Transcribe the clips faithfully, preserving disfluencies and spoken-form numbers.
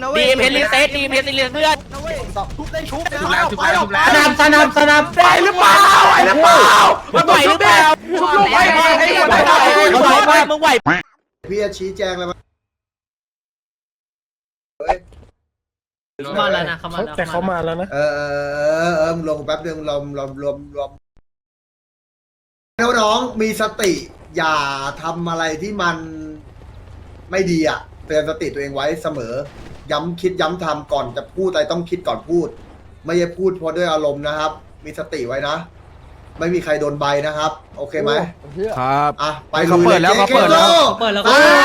นะเว้ยดีเพชรลิเซตดีเพชรลิเซตเพื่อนนะเว้ยชุบได้ชุบนะถูกแล้วถูกแล้วถูกแล้วสนับสนับสนับไหวหรือเปล่าไหวหรือเปล่ามึงไหวหรือเปล่าชุบลูกไว้ให้ให้หมดเลยมึงไหวไหมมึงไหวพี่จะชี้แจงอะไรมาเขามาแล้วนะเขามาแล้วแต่เขามาแล้วนะเออเออเออมึงลงแป๊บนึงรวมรวมรวมรวมน้องๆมีสติอย่าทำอะไรที่มันไม่ดีอ่ะเตือนสติตัวเองไว้เสมอ ย้ำคิดย้ำทำก่อนจะพูดอะไรต้องคิดก่อนพูด ไม่ใช่พูดเพราะด้วยอารมณ์นะครับ มีสติไว้นะ ไม่มีใครโดนใบนะครับ โอเคไหมครับอ่ะไปเขาเปิดแล้วเขาเปิดแล้วเปิดแล้วไป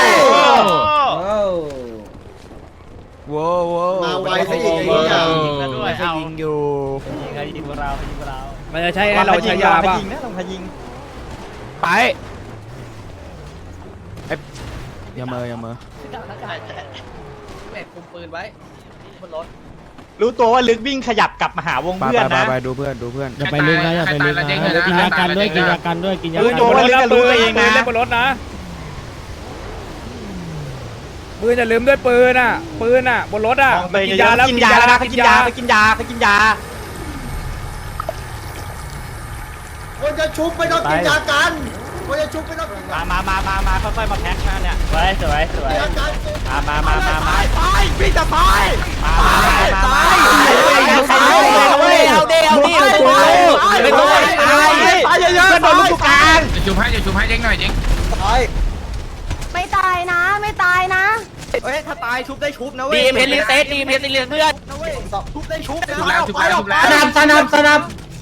ว้าวว้าวมาไวซะอีกไอ้เหี้ยด้วยเอายิงอยู่ยิงไงยิงเรายิงเรามันจะใช่ให้เราใช้ยาป่ะไปอย่าเมออย่าเมอแบกคุมปืนไว้บนรถรู้ตัวว่าลึกวิ่งขยับกลับมาหาวงไปเพื่อนไปนะไปดูเพื่อนดูเพื่อนอย่าไปลึกนะอย่าไปลึกนะกินยากันด้วยกินยากันด้วยกินยารู้ตัวว่าลึกจะรู้ตัวเองนะบนรถนะปืนอย่าลืมด้วยปืนอ่ะปืนอ่ะบนรถอ่ะไปกินยาแล้วกินยาแล้วนะไปกินยาไปกินยาไปกินยาคนจะชุบไม่ต้องกินยากันคนจะชุบไม่ต้องกินยามามามามามาค่อยๆมาแพ็คมาเนี่ยสวยสวยสวยกันมามามามามาไปพี่จะตายมามามาเอาดิเอาดิเอาดิไม่ต้องไม่ต้องตายตายเยอะๆโดนลูกกลางจะชูให้จะชูให้เจ๊งหน่อยเจ๊งไม่ตายนะไม่ตายนะเฮ้ยถ้าตายชุบได้ชุบนะเว้ยดีเพชรลิเซตดีเพชรลิเซตเพื่อนนะเว้ยชุบได้ชุบนะถูกแล้วถูกแล้วถูกแล้วสนับสนับสนับ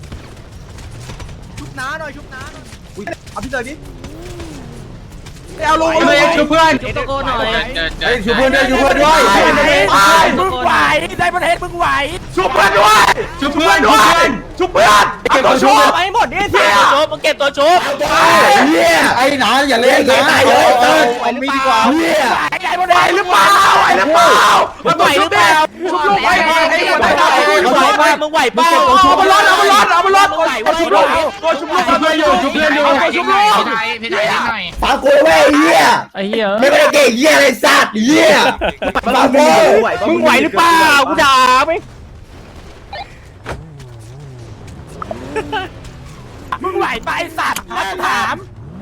ชุบน้าหน่อยชุบน้าหน่อยอุ้ยเอาพี่เตยดิเอาลูกเลยชูเพื่อนตะโกนหน่อยเจอเจอชูเพื่อนด้วยชูเพื่อนด้วยมึงไหวได้ประเทศมึงไหวชูเพื่อนด้วยชูเพื่อนด้วยชูเพื่อนเก็บตัวชูไปหมดนี่สิเก็บตัวชุบมึงเก็บตัวชุบเฮียไอ้หนาอย่าเล่นนะตายเลยเออมีดีกว่าเฮียไอ้บนไหวหรือเปล่าไหวหรือเปล่ามึงไหวหรือเปล่าชุบลูกไว้ให้ให้หมดเลยมึงไหวป่ะมึงไหวป่ะเอามาลดเอามาลดเอามาลดมึงไหวเอาชุบลูกเอาชุบลูกชุบเพื่อนอยู่ชุบเพื่อนอยู่เอาชุบลูกพี่ไทยพี่ไทยเจ๊งหน่อยฟังกูเว้ยเฮียไอ้เหี้ยไม่ได้เก่งเฮียอะไรสัตว์เฮียฟังกูมึงไหวหรือเปล่ากูด่าไหมมึงไหวไปสัตว์ถาม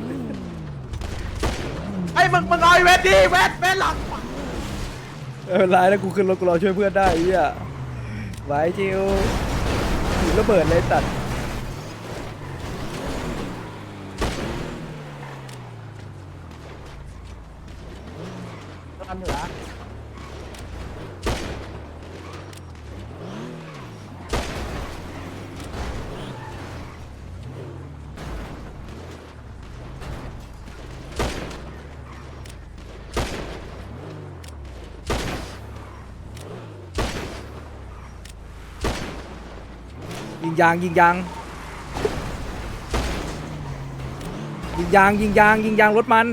ไอ้มึงมึงเอาไอ้เวทดิเวทเวทหลังเออไลน์แล้วกูขึ้นรถกูรอช่วยเพื่อนได้ไอ้เหี้ยไหวจิวถือระเบิดเลยตัด ยิงยางยิงยางยิงยางยิงยางยิงยางรถมัน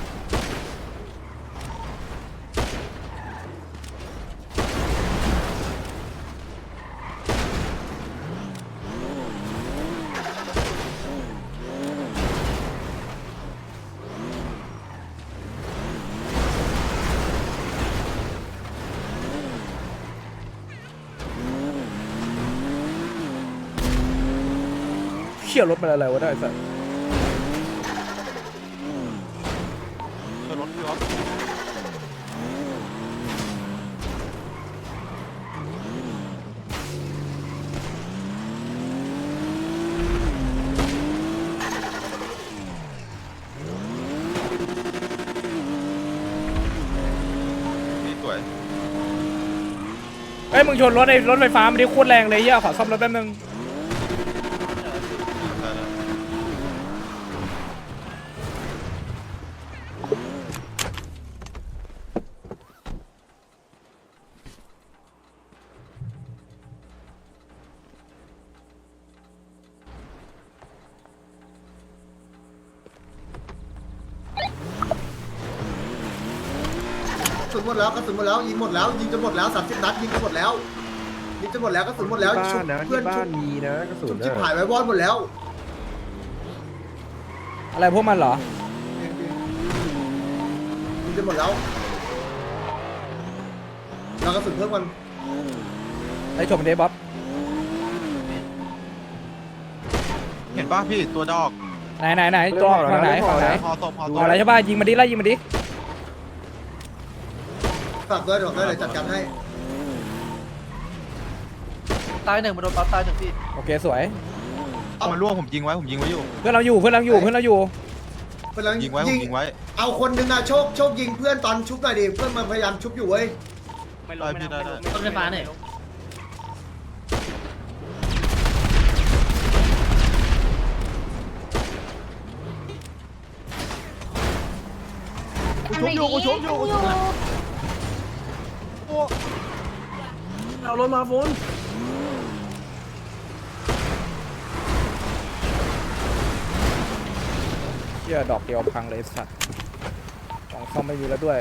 เขี่ยรถมันอะไรวะได้สัสเอ้ยมึงชนรถไอ้รถไฟฟ้ามันดิโคตรแรงเลยเหี้ยขอซ่อมรถแป๊บนึงกระสุนหมดแล้วกระสุนหมดแล้วยิงหมดแล้วยิงจะหมดแล้วสามสิบนัดยิงจะหมดแล้วยิงจะหมดแล้วกระสุนหมดแล้วชุบเพื่อนชุบมีนะกระสุชุนบชิบหายไว้วอดหมดแล้วอะไรพวกมันเหรอยิงจะหมดแล้วเรากระสุนเพิ่มกันไอ้ชมเดบ๊อบเห็นป่ะพี่ตัวดอกไหนไหนไหนตัวฝั่งไหนฝั่งไหนพอตบพอตฝั่งอะไรใช่ป่ะยิงมาดิไล่ยิงมาดิฝากด้วยฝากด้วยเดี๋ยวจัดการให้ตายหนึ่งมาโดนปั๊บตายหนึ่งพี่โอเคสวยมันล่วงผมยิงไว้ผมยิงไว้อยู่เพื่อนเราอยู่เพื่อนเราอยู่เพื่อนเราอยู่เพื่อนเรายิงไว้ผมยิงไว้เอาคนหนึ่งอะโชคโชคยิงเพื่อนตอนชุบหน่อยดิเพื่อนมันพยายามชุบอยู่เว้ยได้พี่ได้ได้ต้นไฟฟ้าเนี่ยกูชุบอยู่กูชุบอยู่กูชุบเอารถมาฟุ้นเชี่ยดอกเดียวพังเลยสัตว์ของซ่อมไม่มีแล้วด้วย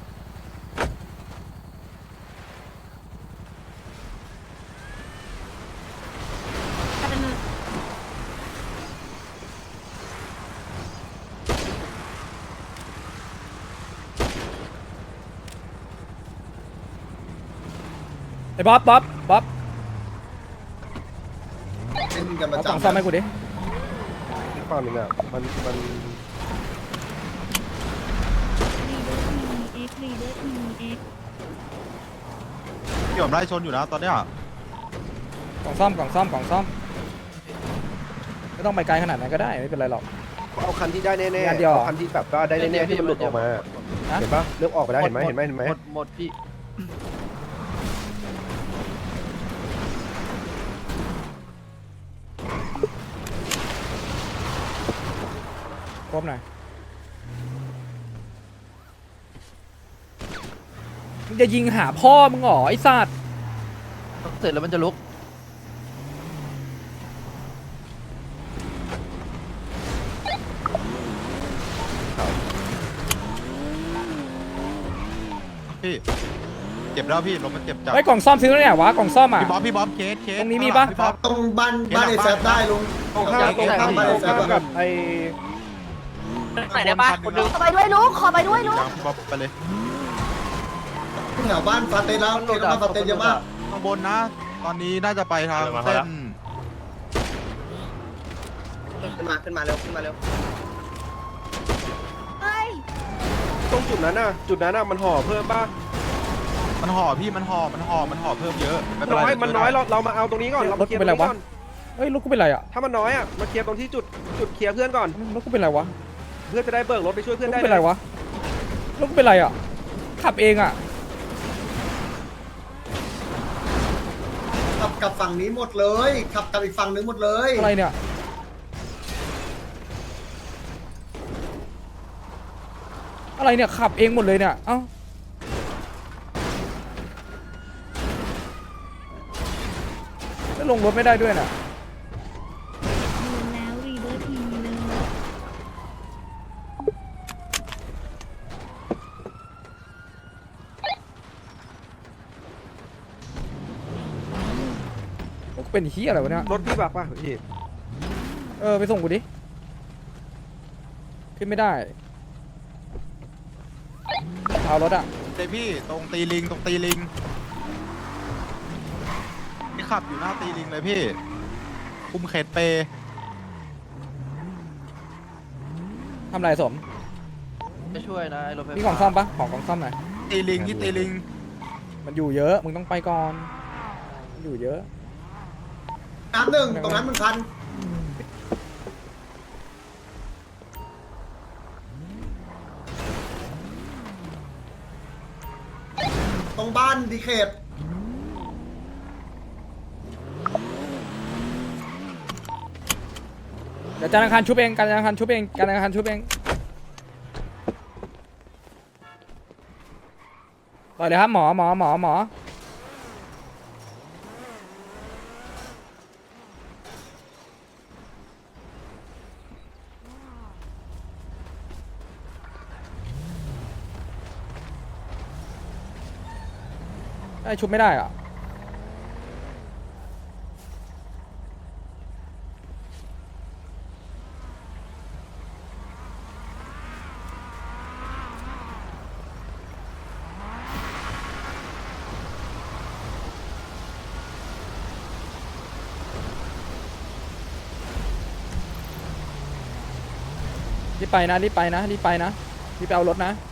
ไอ้บ๊อบบ๊อบบ๊อบเล่นกันปเอาระของจำซ่อมให้กูดิฝั่งนึงอ่ะมันมันพี่ผมไล่ชนอยู่นะตอนเนี้ยของซ่อมของซ่อมของซ่อมไม่ต้องไปไกลขนาดนั้นก็ได้ไม่เป็นไรหรอกเอาคันที่ได้แน่งานเดียวเหรอๆคันที่แบบว่าได้แน่ๆที่มันหลุดออกมาฮะเห็นปะเริ่มออกไปแล้วเห็นไหมเห็นไหมเห็นไหมหมดหมดพี่ครบหน่อยมึงจะยิงหาพ่อมึงเหรอไอ้สัตว์เสร็จแล้วมันจะลุกพี่เจ็บแล้วพี่ลมมันเจ็บจัดไอ้ยกล่องซ่อมซื้อแล้วเนี่ยวะกล่องซ่อมอ่ะพี่บ๊อบพี่บ๊อบเคสเคสตรงนี้มีปะพี่บ๊อบตรงบ้านบ้านไอ้แซฟได้ลุงตรงข้ามตรงข้ามบ้านตรไอ้งแซข้าฟมกับไอ้ไหนได้ปะคนนึงขอไปด้วยลูกขอไปด้วยลูกยังพี่บ๊อบไปเลยแถวบ้านฟาเตสแล้วเกมบ้านฟาเตสเยอะมากข้างบนนะ ตอนนี้น่าจะไปทางเส้นขึ้นมาขึ้นมาเร็วขึ้นมาเร็วเฮ้ยตรงจุดนั้นน่ะจุดนั้นน่ะมันห่อเพิ่มป่ะมันห่อพี่มันห่อมันห่อมันห่อเพิ่มเยอะไม่เป็นน้ไรอยมันน้อยเราเรามาเอาตรงนี้ก่อนเรามาเคลียร์ตรงนี้ก่อนเฮ้ยรถกูเป็นไรอ่ะถ้ามันน้อยอ่ะมาเคลียร์ตรงที่จุดจุดเคลียร์เพื่อนก่อนรถกูเป็นไรวะเพื่อจะได้เบิกรถไปช่วยรเพื่อถนได้กูเป็นไรวะรถกูเป็นไรอ่ะขับเองอ่ะขับกับฝั่งนี้หมดเลย ขับกับอีกฝั่งนึงหมดเลยอะไรเนี่ยอะไรเนี่ยขับเองหมดเลยเนี่ยเอ้าแล้วลงรถไม่ได้ด้วยน่ะแล้วรีเบิร์ทีเลยรถกูเป็นเฮียอะไรวะเนี่ยรถพี่บักป่ะพี่เออไปส่งกูดิขึ้นไม่ได้เอารถอ่ะเตพี่ตรงตีลิงตรงตีลิงนี่ขับอยู่หน้าตีลิงเลยพี่คุมเขตเปทำไรสมจะช่วยนะไอ้รถไฟฟ้ามีของซ่อมปะของของซ่อมหน่อยตีลิงที่ตีลิงมันอยู่เยอะมึงต้องไปก่อนมันอยู่เยอะน้ำหนึ่งตรงนั้นมันพันตรงบ้านดีเคทเดี๋ยวจานอังคารชุบเองการจานอังคารชุบเองการอังคารชุบเองต่อเลยครับหมอหมอหมอหมอไอ้ชุบไม่ได้อ่ะรีบไปนะรีบไปนะรีบไปนะรีบไปเอารถนะ